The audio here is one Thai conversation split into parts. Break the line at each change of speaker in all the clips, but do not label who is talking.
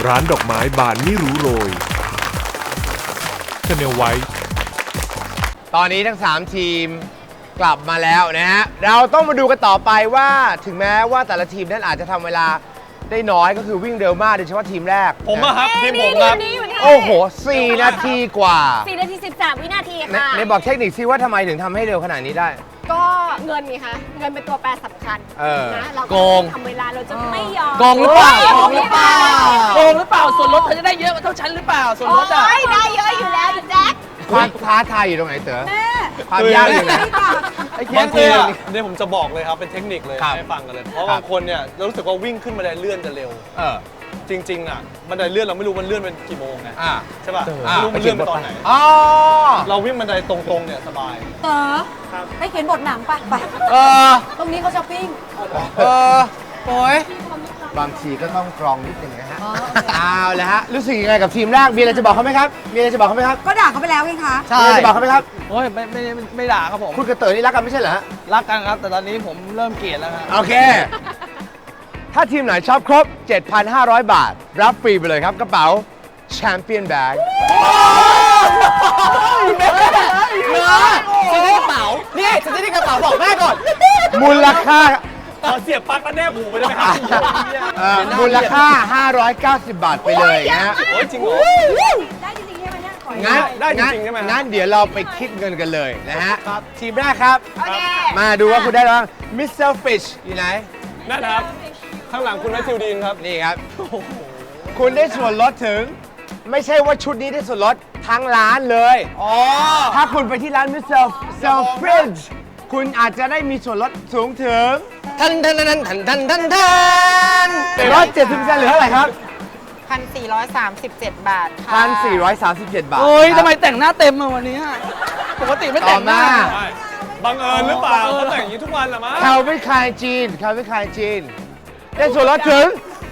ร้านดอกไม้บานไม่รู้โรยชาแนลไว้
ตอนนี้ทั้ง 3 ทีมกลับมาแล้วนะฮะ เราต้องมาดูกันต่อไปว่าถึงแม้ว่าแต่ละทีมนั้นอาจจะทำเวลาได้น้อยก็คือวิ่งเร็วมากโดยเฉพาะทีมแรก
ผมอะครับทีมผมครับ
โอ้โห 4 นาทีกว่า
4 นาที 13 วินาทีค่ะ
ในบอกเทคนิคซิว่าทำไมถึงทำให้เร็วขนาดนี้ได้
ก็เงินไงคะเงินเป็นตัวแปรสำคัญ นะเรา
โกง
ทำเวลาเราจะไม่ยอม
โกงหรือเปล่า
โกงหรือเปล่า
โกงหรือเปล่าส่วนลดเธอจะได้เยอะเท่าฉันหรือเปล่าส่วน
โอ้
ลดอ่ะ
ยได้เยอะอยู่แล้วแจ็ค
ความท้าทายอยู่ตรงไหนเต๋อความยากอยู่ไหนไอ้เคีย
บาง
ง
ที
เต๋อ
อะเนี่ยผมจะบอกเลยครับเป็นเทคนิคเลย
ครับ
ให้ฟังกันเลย เพราะ
ครับ
บางคนเนี่ยเรารู้สึกว่าวิ่งขึ้นบันไดเลื่อนจะเร็ว จริงๆอ่ะบันไดเลื่อนเราไม่รู้มันเลื่อนเป็นกี่โมงไงใช่ป่ะไม่รู้มันเลื่อนไปตอนไหน
อ๋อ
เราวิ่งบันไดตรงๆเนี่ยสบาย
เต๋อไปเขียนบทหนังไปไป
เออ
ตรงนี้เขาช้อปปิ้ง
โอ้ยบางทีก็ต้องกรองนิดหนึ่งนะฮะเอาละฮะรู้สึกยังไงกับทีมแรกมีอะไรจะบอกเขาไหมครับมีอะไรจะบอกเขาไหมครับ
ก็ด่าเขาไปแล้วไงคะ
มีอะไรจะบอกเขาไหมครับ
โอ้ยไม่ด่าครับผม
คุณกับเต๋อนี่รักกันไม่ใช่เหรอฮะ
รักกันครับแต่ตอนนี้ผมเริ่มเกลียดแล้วครับ
โอเค ถ้าทีมไหนชอบครบ 7,500 บาท รับฟรีไปเลยครับกระเป๋าแชมเปี้ยนแบ็ก
เหลือซื้อในกระเป๋า
นี่จะได้กระเป๋าบอกแม่ก่อน มูลค่า
ขอเสียบปลั๊กแล้วแนบหูไปได้ไหมครับ
มูลค่า 590 บาทไปเลยนะฮะ
โอ้ยจริงเหรอ
ได้จริงๆใช่ไหมเนี่ยขอ
งั้น
ได้จริงๆใช่ไหมฮะ
งั้นเดี๋ยวเราไปคิดเงินกันเลยนะฮะ ทีมแรกครับ
โอเค
มาดูว่าคุณได้แล้วมิสเตอร์ฟิชอยู่ไหน
นั่นครับ ข้างหลังคุณแมทธิวดีนครับ
นี่ครับ คุณได้ส่วนลดถึง ไม่ใช่ว่าชุดนี้ได้ส่วนลดทั้งร้านเลย
อ๋อ
ถ้าคุณไปที่ร้านมิสเตอร์เซลฟริดคุณอาจจะได้มีส่วนลดสูงถึงทันลด70%หรือเท่าไหร่ครับ
1,437 บาทค่ะ
1,437 บาท
โอ้ยทำไมแต่งหน้าเต็มมาวันนี้อะปกติไม่แต่งหน้า
ต่อมา
บังเอิญหรือเปล่าเขาแต่งอย่างนี้ทุกวันเหรอมั้ง
คาวิคายจีนคาวิคายจีนได้ส่วนลดถึง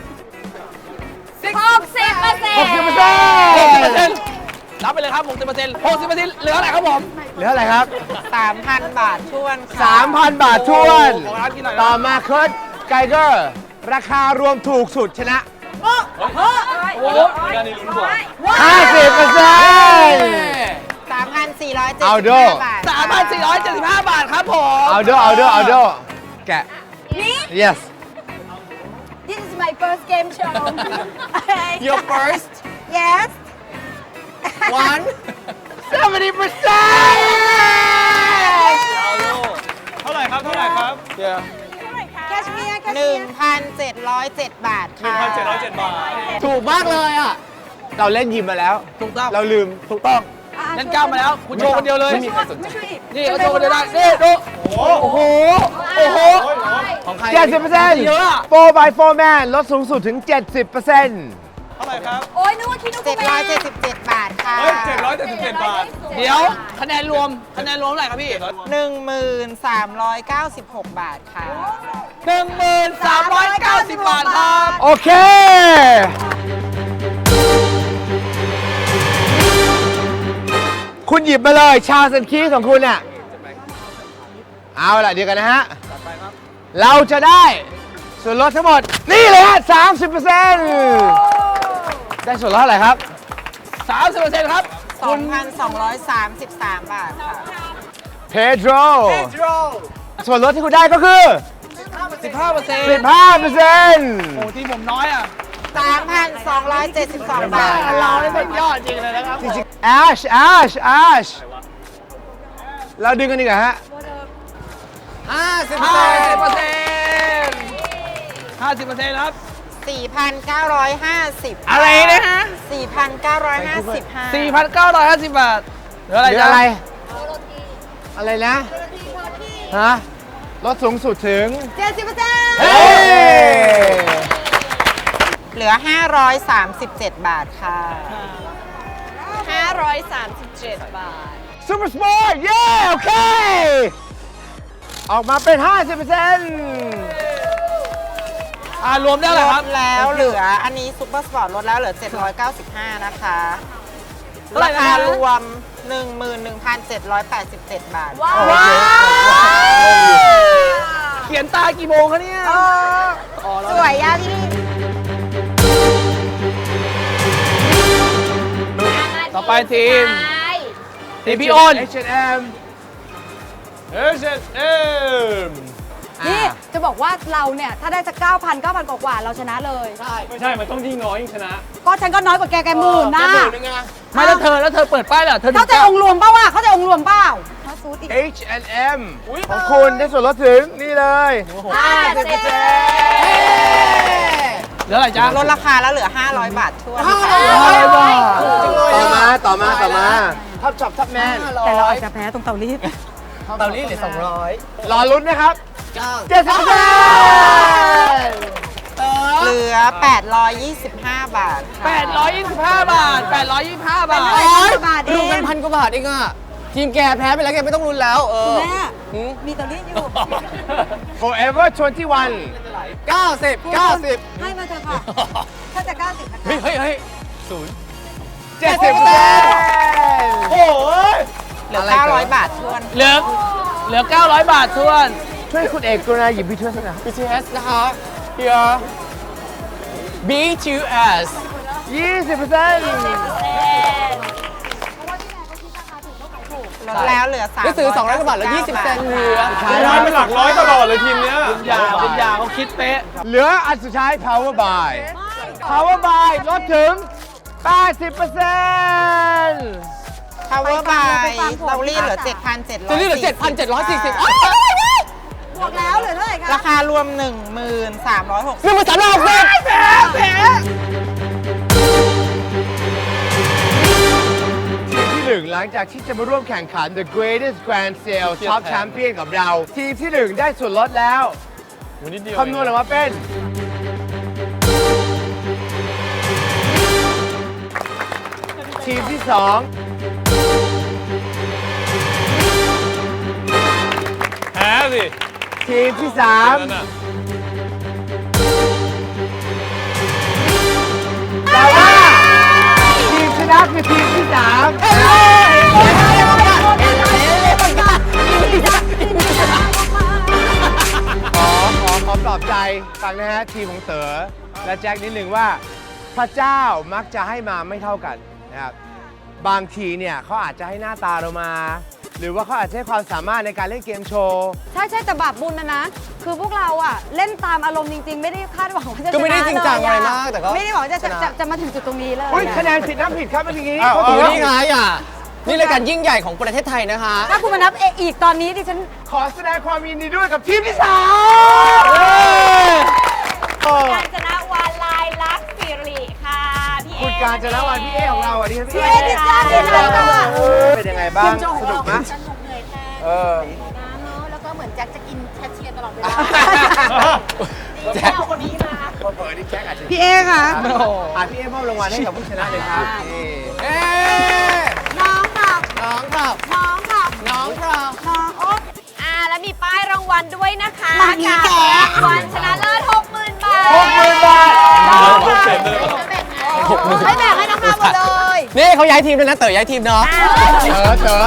60%
รับไปเลยครับ60% 60%เหลืออะไรครับผม
เหลืออะไรครับ
3,000 บาททวนค่ะ
3,000 บาททวน
ของร้านกินหน่อย
ต่อมาเคิร์ดไกเกอร์ ราคารวมถูกสุดชนะ
โอ้โหด้านนี้ลุ้นกว่า
50%
3,475
เอาโด
บาท
3,475 บาทครับผม
เอาโดแกะ yes
This is my first game show
Your first
yes
one
70%
เอาโลเท่าไหร่ครับเดี๋ยว
แคชเมียร์1,707 บาทค่ะ
1,707 บาท
ถูกมากเลยอ่ะ เราเล่นยิมมาแล้ว
ถูกต้อง
เราลืมถูกต้อง
นั่นก้าวมาแล้ว คุณโชว์คนเดียวเลย
ไม่มีใครสนใจ
นี่เขาโชว์คนเดียวได้ นี่ดู โอ้โห ของใคร
70%
เยอะอะ
4x4 man ลดสูงสุดถึง 70%
เท่าไหร่ครับ
โอ้ยนึกว่าคิดว่ากูแม่
777 บาทค่ะ
เฮ้ย777 บาท เดี๋ยว คะแนนรวมเท่าไหร่ครับพี่
1,396 บาทค่ะ
1,390 บาทครับ
โอเค คุณหยิบมาเลยชาสันคีของคุณเนี่ยเอาล่ะเดี๋ยวกันนะฮะ เราจะได้ส่วนลดทั้งหมด นี่เลยฮะ 30% ได้ส่วนลดเท่าไหร่ครับ
30%ครับ
2,233 บาทค่ะ
เพโดรส่วนลดที่คุณได้ก็คือ
15%
15%
โอ้ที่ผมน้อยอ่ะ
3,272 บาท
เราได้สุดยอดจริงเลยนะครับ
แอชเราดึงกันดีกว่าฮะ
50% 50%ครับ
4,950
อะไรนะฮะ
4,955
4,950 บาทเหลืออะไร
หรือ
จ๊ะ
อะไร อะไรนะ ฮะ ลดสูงสุดถึง
70%
เฮ้ย
เหลือ 537 บาทค่ะ
537 บาท
ซูเปอร์สปอร์ตเย้ โอเค ออกมาเป็น 50%
รวมได้เหรอครับ
ลดแล้วเหลืออันนี้ซุปเปอร์สปอร์ตลดแล้วเหลือ 795 นะคะ
เท่าไหร่
รา
นะ
คารวม 11,787 บาท
ว้าว
เขียนตากี่โมงคะเนี่ย
สวยอ่ะพี่
ต่อไปทีม ทีมพี่
พี่
อ้น
H&M
นี่จะบอกว่าเราเนี่ยถ้าได้สัก9,000 กว่าๆเราชนะเลย
ไม่ใช่ มันต้องยิ่งน้อยยิ่งชนะ
ก็ฉันก็น้อยกว่าแกหมื่นนะ
ไม่แล้วเธอเปิดป้ายเหรอเธอ
เข้าใจองค์รวมเปล่าวะเข้าใจองค์รวมเปล่าถ้าซูดอีก
H&M ของคุณได้ส่วนลดถึงนี่เลย
เหลืออะไรจ๊ะลดราคาแล้วเหลือ 500 บาททั่ว
ต่อมาท็อปช็อปท็อปแมน
แต่เราอาจจะแพ้ตรงเตารีด
เตาลีเหลือ200รอลุ้นนะครับ70%
เหลือ 825 บาทค่ะ
825 บาท 825 บาท
บาทเอ
ดู
ง
เป็นพันกว่าบาทเองอ่ะ ทีมแกแพ้ไปแล้วแกไม่ต้องลุ้นแล้ว
แม่มีเตารีดอยู่
Forever 21
90
ให้มาเถอะค่ะ ถ้าจะ90นะคะ
เฮ้ย
70%
โอ้ย
เหลือ 900 บาททวน
เหลือ 900 บาททวน ช่วยคุณเอกกรุณาหยิบพี่ช่วยสักหน่อย
BTS นะคะ here BTS
20%
ลดแล้วเหลือ300
ได้ซื้อ200 กว่าบาทแล้ว 20 เซนเหลือ
ร้อยเป็นหลักร้อยตลอดเลยทีมเนี้ย
เป็นยาเขาคิดเป๊ะ เหลืออันสุดท้าย Power Buy Power Buy ลดถึง 80%
Power by เตารีดเหลือ 7,700
จะนี่เหลือ 7,740
บวกแล้วเหลือเท่าไหร่คะ
ราคารวม 1360
นี่มันสำหรับเลย
ทีมที่หนึ่งหลังจากที่จะมาร่วมแข่งขัน The Greatest Grand Sale Top Champion กับเรา ทีมที่หนึ่งได้ส่วนลดแล้ว
วันนิดเดียว
คำนวณออกมาเป็น ทีมที่สอง
แพ้สิ
ทีมที่สาม
นั่นน่ะ
แต่ว่าทีมชนะคือทีมที่สามขอปลอบใจฟังนะฮะทีมของเต๋อและแจ็คนิดหนึ่งว่าพระเจ้ามักจะให้มาไม่เท่ากันนะครับบางทีเนี่ยเขาอาจจะให้หน้าตาเรามา หรือว่าเขาอาจจะให้ความสามารถในการเล่นเกมโชว์
ใช่แต่บาปบุญนะ คือพวกเราอะเล่นตามอารมณ์จริง ๆ ไม่ได้คาดหวังว่าจะชนะ
ก็ไม่ได้จริงจังอะไรมาก
เลย
แต่ก็
ไม่ได้หวังจะ
ชนะ
จะมาถึงจุดตรงนี้เลย
อุ้ยคะแนนผิดน้ำผิดครับเมื่อกี้
อ้าว
เขา
โอ้
ถือว่า
นี่ไงอ่ะ นี่รายการยิ่งใหญ่ของประเทศไทยนะคะ
ถ้าคุณมานับอีกตอนนี้ดิฉัน
ขอแสดงความยินดีด้วยกับทีมที่สาม
การจนะวานลายลักษณ์สิริค่ะ พี่เอ
คุณการจนวันพี่เอของเราอ่ะดิฉันพี่
เอดิจ้าดิจ้า
เป็นยังไงบ้างสนุกไหม
สนุกเหนื่อยแทน
เออ
น้ำเนาะแล้วก็เหมือนแจ็คจะกินแคชเชียร์ตลอดเวลา
แจ็ค
เอาคนนี้มา
เปิดนี่แจ็คอาจจะ
พี่เอค่ะ
พี่เอมอบรางวัลให้กับผู้ชนะเลยครับนี่
เอ๊ะ
น้องค่ะ
น้องครับ
น้องค่ะ
น้องครับ
น้องโอ๊ย
แล้วมีป้ายรางวัลด้วยนะคะ
มานี่แก
รางวัลชนะเลิศ 60,000 บาท
60,000 บาท
ไม่แบ่งให้น้องๆหมดเลย
นี่เขาย้ายทีมด้วยนะ เต๋อย้ายทีมเนาะ
เต๋อ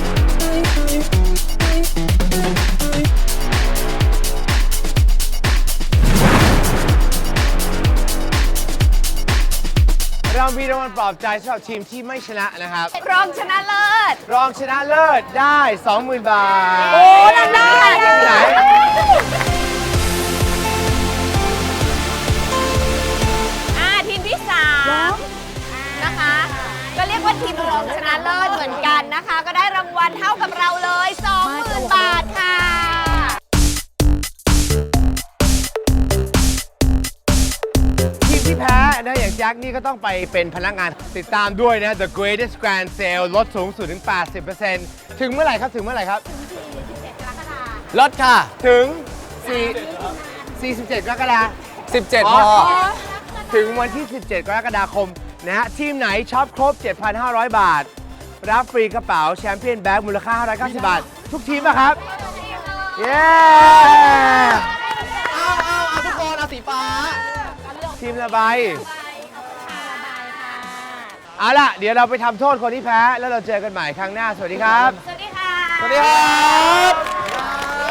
เรามีรางวัลปลอบใจสำหรับทีมที่ไม่ชนะนะครับ
รองชนะเลิศ
รองชนะเลิศได้ 20,000 บาท
โอ้นั่นได้
ที่ไหน
ทีมที่3นะคะ ก็เรียกว่าทีมรองชนะเลิศเหมือนกันนะคะ ก็ได้รางวัลเท่ากับเราเลย 20,000 บาทค่ะ
ทีมที่แพ้นะอย่างแจ็คนี่ก็ต้องไปเป็นพนักงานติดตามด้วยนะ The Greatest Grand Sale ลดสูงสุดถึง 80% ถึงเมื่อไหร่ครับ ถึงเมื่อไหร่ครับ
รถค่ะ
ถึง47 กรกฎาคม
17 พอ
ถึงวันที่ 17 กรกฎาคมนะฮะ ทีมไหนช็อปครบ 7,500 บาท รับฟรีกระเป๋าแชมเปี้ยนแบ็กมูลค่า 590 บาท ทุกทีมนะครับ เย้
เอาทุกคนเอาสีฟ้า
ทีมละใบเอาล่ะ เดี๋ยวเราไปทำโทษคนที่แพ้ แล้วเราเจอกันใหม่ครั้งหน้า สวัสดีครับ
สวัสดีค่ะ
สวัสดีครับ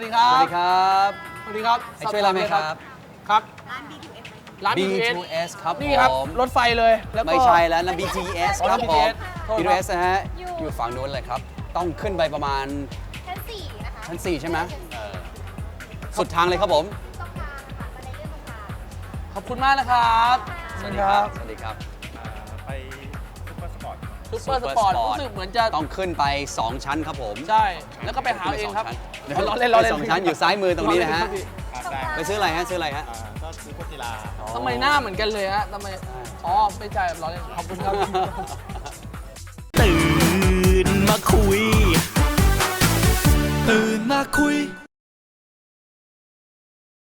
ดีครับ
สวัสดีครับ
สวัสดีครับ
ให้ช่วยอะไรไหมครับ
ครับ ร้าน BTS
B2S ครับ
นี่ครับ
ผม
รถไฟเลยแล้วก็
ไม่ใช่แล้วนะ BTS
อ๋อ
ครับผม
BTS โทษครับ
BTS นะฮะ อยู่ฝั่งนู้นเลยครับ ต้องขึ้นไปประมาณ
ชั้น 4 นะคะ
ชั้น 4 ใช่ไหมสุดทางเลยครับผม
ตรงกลางค่ะบันไดเลื่อนตรงกลาง
ขอบคุณมากนะครับ
สวัสดีครับ สวัสดีครับ
ซุปเปอร์สปอร์ต
Super
รู้สึกเหมือนจะ
ต้องขึ้นไป 2 ชั้นครับผม
ใช่ แล้วก็ไปหาเอาเองครับ
เดี๋ยว
ล้อเล่นล้อเล่น
2 ชั้นอยู่ซ้ายมือตรงนี้นะฮะ
ล้อเล่ครับพี่
ไปซื้ออะไรฮะ ซื้ออะไรฮะ
ก็ซื้อพวกกีฬา
ทำไมหน้าเหมือนกันเลยฮะทำไม อ๋อ ไม่ใช่ล้อเล่นขอบคุณครับ
ตื่นมาคุย ตื่นมาคุย